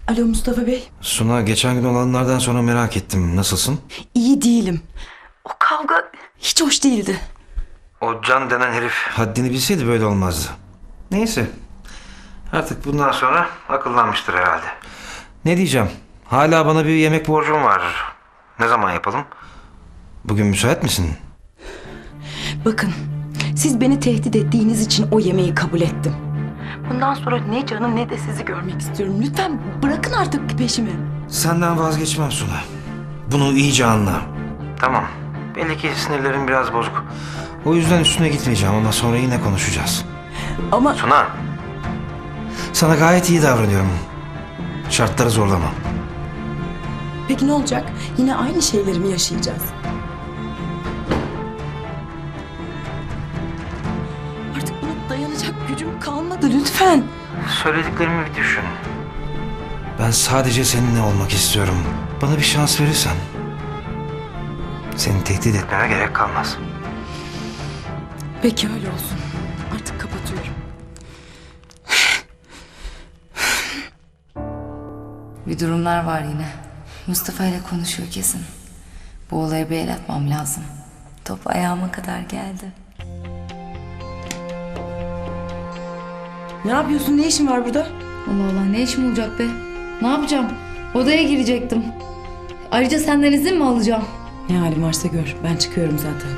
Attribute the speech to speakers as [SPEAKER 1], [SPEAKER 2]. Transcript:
[SPEAKER 1] Alo Mustafa Bey.
[SPEAKER 2] Suna, geçen gün olanlardan sonra merak ettim. Nasılsın?
[SPEAKER 1] İyi değilim. O kavga hiç hoş değildi.
[SPEAKER 2] O Can denen herif haddini bilseydi böyle olmazdı. Neyse. Artık bundan sonra akıllanmıştır herhalde. Ne diyeceğim? Hala bana bir yemek borcum var. Ne zaman yapalım? Bugün müsait misin?
[SPEAKER 1] Bakın, siz beni tehdit ettiğiniz için o yemeği kabul ettim. Bundan sonra ne Can'ı ne de sizi görmek istiyorum. Lütfen bırakın artık peşimi.
[SPEAKER 2] Senden vazgeçmem Suna. Bunu iyice anla. Tamam. Belli ki sinirlerim biraz bozuk. O yüzden üstüne gitmeyeceğim ama sonra yine konuşacağız.
[SPEAKER 1] Ama
[SPEAKER 2] Suna. Sana gayet iyi davranıyorum. Şartları zorlama.
[SPEAKER 1] peki ne olacak? Yine aynı şeyleri mi yaşayacağız? Artık buna dayanacak gücüm kalmadı lütfen.
[SPEAKER 2] Söylediklerimi bir düşün. Ben sadece seninle olmak istiyorum. Bana bir şans verirsen seni tehdit etmeme gerek kalmaz.
[SPEAKER 1] Peki öyle olsun. Artık kapatıyorum.
[SPEAKER 3] Bir durumlar var yine. Mustafa ile konuşuyor kesin. Bu olaya bir el atmam lazım. Top ayağıma kadar geldi.
[SPEAKER 1] Ne yapıyorsun? Ne işin var burada?
[SPEAKER 3] Allah Allah, ne işim olacak be? Ne yapacağım? Odaya girecektim. Ayrıca senden izin mi alacağım?
[SPEAKER 1] Ne halin varsa gör. Ben çıkıyorum zaten.